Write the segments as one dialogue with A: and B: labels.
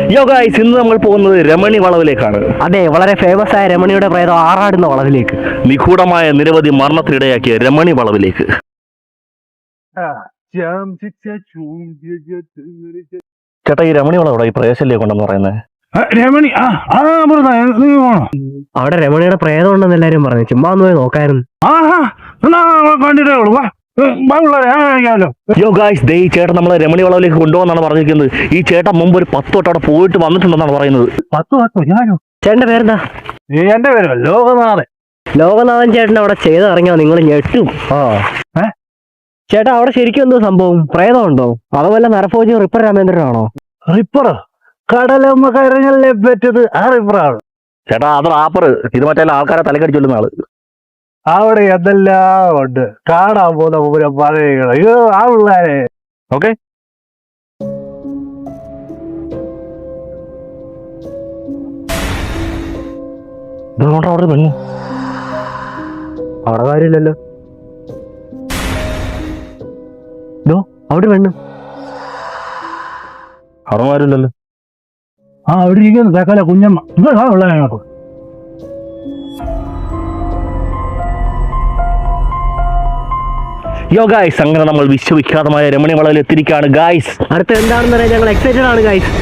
A: യോ ഗൈസ്, ഇന്ന് നമ്മൾ പോകുന്നത് രമണി വളവിലേക്കാണ്.
B: അതെ, വളരെ ഫേമസ് ആയ രമണിയുടെ പ്രേതം ആറാടുന്ന വളവിലേക്ക്.
A: നിഗൂഢമായ നിരവധി മരണത്തിനിടയാക്കിയ രമണി വളവിലേക്ക്. ചേട്ടാ, ഈ രമണി വളവിടെ ഈ പ്രേതശല്യം കൊണ്ടെന്ന് പറയുന്നത്.
C: രമണി
B: അവിടെ രമണിയുടെ പ്രേതം ഉണ്ടെന്ന് എല്ലാരും പറഞ്ഞു. ചുമ്മാ ഒന്ന് പോയി നോക്കായിരുന്നു.
C: കണ്ടിട്ടേ ഉള്ളൂ.
A: യോ ഗൈസ്, ദേ ഈ ചേട്ടൻ നമ്മളെ രമണി വളവിലേക്ക് കൊണ്ടുപോകാന്നാണ് പറഞ്ഞിരിക്കുന്നത്. ഈ ചേട്ടൻ മുമ്പ് ഒരു 10 വട്ടം അവിടെ പോയിട്ട് വന്നിട്ടുണ്ടെന്നാണ് പറയുന്നത്.
C: 10 ഞാനോ?
B: ചേട്ടന്റെ പേരെന്താ?
C: എന്റെ പേരോ? ലോകനാഥൻ.
B: ലോകനാഥൻ ചേട്ടൻ അവിടെ ചെയ്തിറങ്ങിയോ നിങ്ങൾ ഞെട്ടും. ചേട്ടാ, അവിടെ ശരിക്കും എന്തോ സംഭവം? പ്രേതം ഉണ്ടോ? അതുപോലെ നരഭോജിയും റിപ്പർ രാമേന്ദ്രനാണോ?
C: റിപ്പറോ? കടലമ്മ കരഞ്ഞല്ലേ പറ്റത് ആ റിപ്പറാണ്.
A: ചേട്ടാ, അത് റാപ്പർ. ഇത് മറ്റേ ആൾക്കാരെ തലക്കടിച്ചൊല്ലുന്ന ആള്.
C: അവിടെ എന്തെല്ലാം ഉണ്ട് കാണാൻ പോകുന്ന പൂരം പറയുക. അയ്യോ ആ പിള്ളേരെ.
A: ഓക്കെ, അവിടെ പെണ്ണു.
B: അവിടെ കാര്യമില്ലല്ലോ. അവിടെ പെണ്ണു.
A: അവിടെ ആരുമില്ലല്ലോ.
C: അവിടെ ഇരിക്കുന്നു തക്കല കുഞ്ഞമ്മ. ആ പിള്ളേരെ നോക്കും.
A: യോ ഗൈസ്, അങ്ങനെ നമ്മൾ വിശ്വവിഖ്യാതമായ രമണി വളവിൽ എത്തിയിരിക്കുകയാണ് ഗൈസ്.
B: അടുത്ത എന്താണെന്ന് പറയാൻ ഞങ്ങൾ എക്സൈറ്റഡ് ആണ് ഗൈസ്.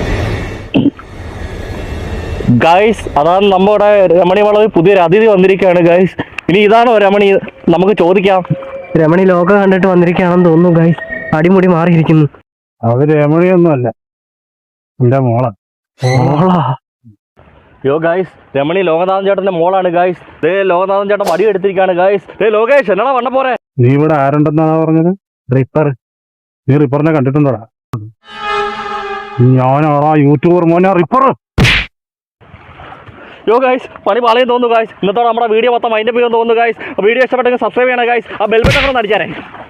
A: ഗൈസ്, അതാണ് നമ്മുടെ രമണി വളവിൽ പുതിയൊരു അതിഥി വന്നിരിക്കുകയാണ് ഗൈസ്. ഇനി ഇതാണോ രമണി? നമുക്ക് ചോദിക്കാം.
B: രമണി ലോകം കണ്ടിട്ട് വന്നിരിക്കുകയാണെന്ന് തോന്നുന്നു ഗൈസ്. അടിമുടി മാറിയിരിക്കുന്നു.
C: അത് രമണിയൊന്നുമല്ല, എന്റെ മോളാ.
A: യോ ഗൈസ്, രമണി ലോകനാഥൻ ചേട്ടന്റെ മോളാണ് ഗൈസ്. ദേ ലോകനാഥൻ ചേട്ടൻ വടി എടുത്തിരിക്കുകയാണ് ഗൈസ്. ദേ ലോകേഷ്, എന്നാ വണ്ണ പോരെ?
C: നീ ഇവിടെ ആരുണ്ടെന്നാണ് പറഞ്ഞത്?
B: റിപ്പർ.
C: നീ റിപ്പറിനെ കണ്ടിട്ടുണ്ടോടാ? ഞാനാടാ യൂട്യൂബർ മോനെ റിപ്പർ.
A: യോ ഗൈസ്, പണി പാളയും തോന്നുന്നു ഗൈസ്. ഇന്നത്തോടെ നമ്മുടെ വീഡിയോ മൊത്തം അതിന്റെ പേര് തോന്നുന്നു ഗൈസ്. വീഡിയോ ഇഷ്ടപ്പെട്ടെങ്കിൽ സബ്സ്ക്രൈബ് ചെയ്യണം ഗൈസ്. ആ ബെൽ ബട്ടൺ ഒന്ന് അടിച്ചാലേ.